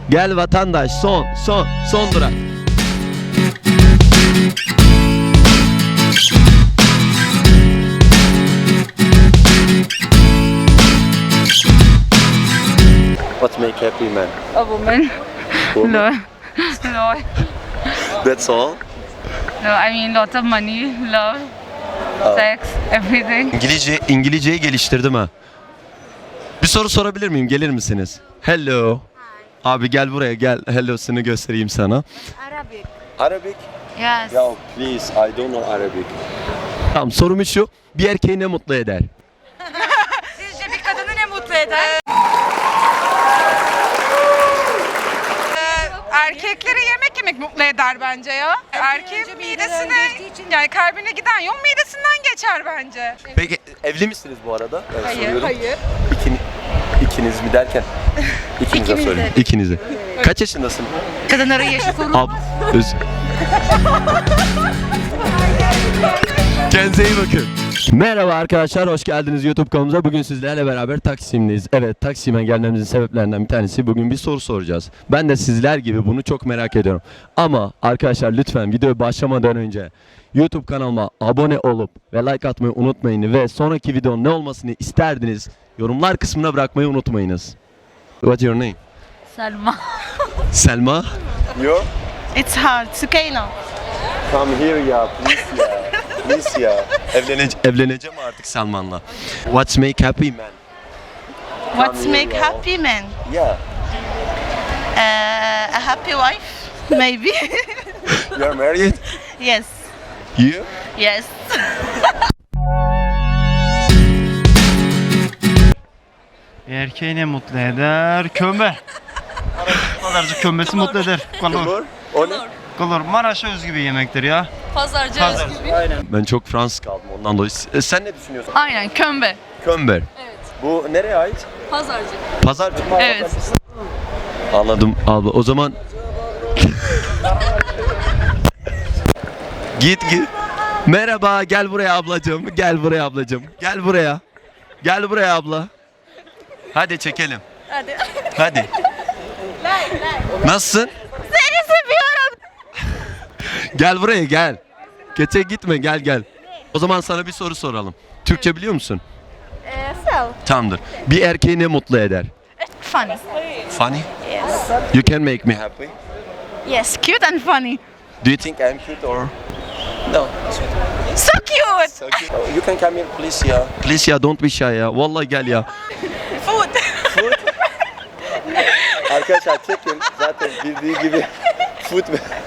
Gel vatandaş, son durak. What make happy man? A woman. Woman? No. That's all. No, I mean lots of money, love, sex, everything. İngilizceyi geliştirdim ha. Bir soru sorabilir miyim? Gelir misiniz? Hello. Abi gel buraya gel. Hello'sunu göstereyim sana. Arabic. Arabic? Yes. Ya please, I don't know Arabic. Tamam, sorum şu. Bir erkeği ne mutlu eder? Sizce bir kadını ne mutlu eder? Erkekleri yemek mutlu eder bence ya. Erkeğin midesine, yani kalbine giden yol midesinden geçer bence. Peki evli misiniz bu arada? Ben soruyorum. Hayır. İkiniz mi derken? İkinize söyleyeyim. İkinize. Kaç yaşındasın? Kadınların yaşı sorulmaz. Kendinize iyi bakın. Merhaba arkadaşlar, hoş geldiniz YouTube kanalımıza. Bugün sizlerle beraber Taksim'deyiz. Evet, Taksim'e gelmemizin sebeplerinden bir tanesi bugün bir soru soracağız. Ben de sizler gibi bunu çok merak ediyorum. Ama arkadaşlar lütfen videoya başlamadan önce YouTube kanalıma abone olup ve like atmayı unutmayın ve sonraki videonun ne olmasını isterdiniz yorumlar kısmına bırakmayı unutmayınız. What's your name? Selma. Selma? You? It's hard. Sukeyna. Come here ya, please ya. Please ya. Evleneceğim artık Selman'la. What's make happy man? What's make happy man? Yeah. A happy wife, maybe. You are married? Yes. You? Yes. Erkeği ne mutlu eder? Kömbe. Pazarcı kömbesi mutlu eder. Kolor. O ne? Kolor. Maraş'a özgü bir yemektir ya. Pazarcı. Ben çok Fransız kaldım ondan dolayı. Sen ne düşünüyorsun? Aynen, kömbe. Kömber. Evet. Bu nereye ait? Pazarcı. Pazarcı. Evet. Anladım abla. O zaman git. Merhaba, gel buraya ablacığım. Gel buraya ablacığım. Gel buraya. Gel buraya abla. Hadi çekelim. Hadi. Nasılsın? Seni seviyorum. Gel buraya gel. Geçe gitme, gel. O zaman sana bir soru soralım. Türkçe biliyor musun? So. Tamamdır. Bir erkeği ne mutlu eder? Funny. Funny? Yes. You can make me happy. Yes, cute and funny. Do you think I'm cute or? No. So cute. You can come here please ya. Please ya, don't be shy ya. Vallahi gel ya. Food. Arkadaşlar çekin. Zaten bildiği gibi food.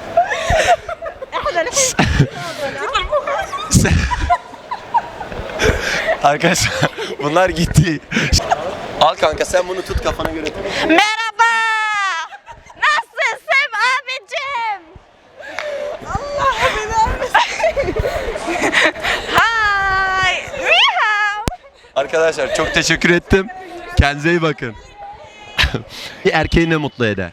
Arkadaşlar bunlar gitti. Al kanka, sen bunu tut, kafana göre tut. Merhaba. Nasılsın abicim? Allah Hi. Meow. Arkadaşlar çok teşekkür ettim. Kendinize iyi bakın. Bir erkeği ne mutlu eder?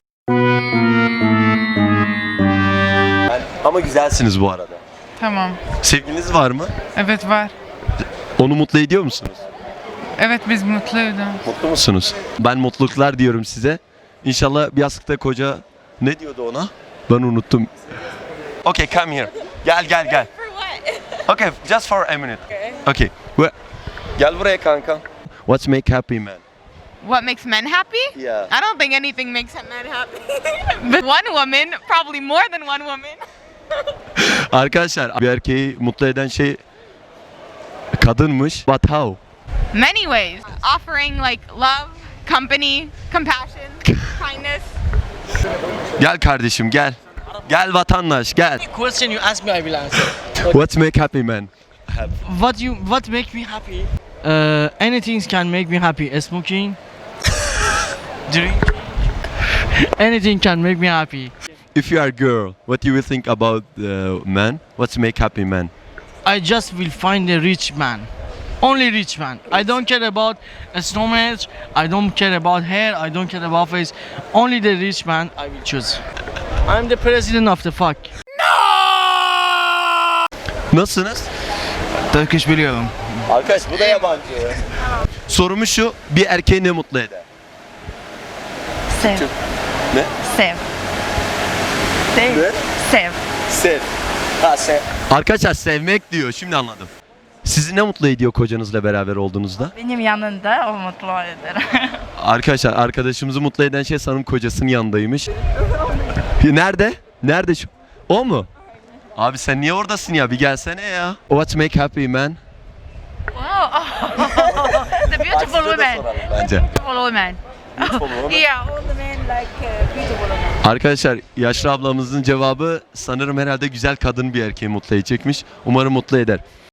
Ama güzelsiniz bu arada. Tamam. Sevgiliniz var mı? Evet var. Onu mutlu ediyor musunuz? Evet biz mutluyuz. Mutlu musunuz? Ben mutluluklar diyorum size. İnşallah bir yastıkta koca... Ne diyordu ona? Ben unuttum. Okay, come here. Gel. Okay, just for a minute. Okay. Gel buraya kanka. What's make happy man? What makes men happy? Yeah. I don't think anything makes men happy. But one woman, probably more than one woman. Arkadaşlar bir erkeği mutlu eden şey kadınmış. But how? Many ways. Offering like love, company, compassion, kindness. Gel kardeşim gel. Gel vatandaş gel. Question you ask me, I will answer. What's make happy man? What make me happy? Anything can make me happy. Smoking, drink, anything can make me happy. If you are a girl, what you will think about man? What's make happy man? I just will find a rich man. Only rich man. I don't care about stomach. I don't care about hair. I don't care about face. Only the rich man I will choose. I'm the president of the fuck. Nasılsınız? Turkish biliyorum. Arkadaş bu da yabancı. Sorumu şu, bir erkeği ne mutlu eder? Sev. Ne? Save. Ne? Save. Sev. Ha sev. Arkadaşlar sevmek diyor. Şimdi anladım. Sizi ne mutlu ediyor kocanızla beraber olduğunuzda? Benim yanında o mutlu eder. Arkadaşlar arkadaşımızı mutlu eden şey sanırım kocasının yanındaymış. Nerede? Nerede şu? O mu? Abi sen niye oradasın ya? Bir gelsene ya. What make happy man? The beautiful woman. Bence. Beautiful woman. Yeah, all the men like beautiful women. Arkadaşlar yaşlı ablamızın cevabı sanırım herhalde güzel kadın bir erkeği mutlu edecekmiş. Umarım mutlu eder.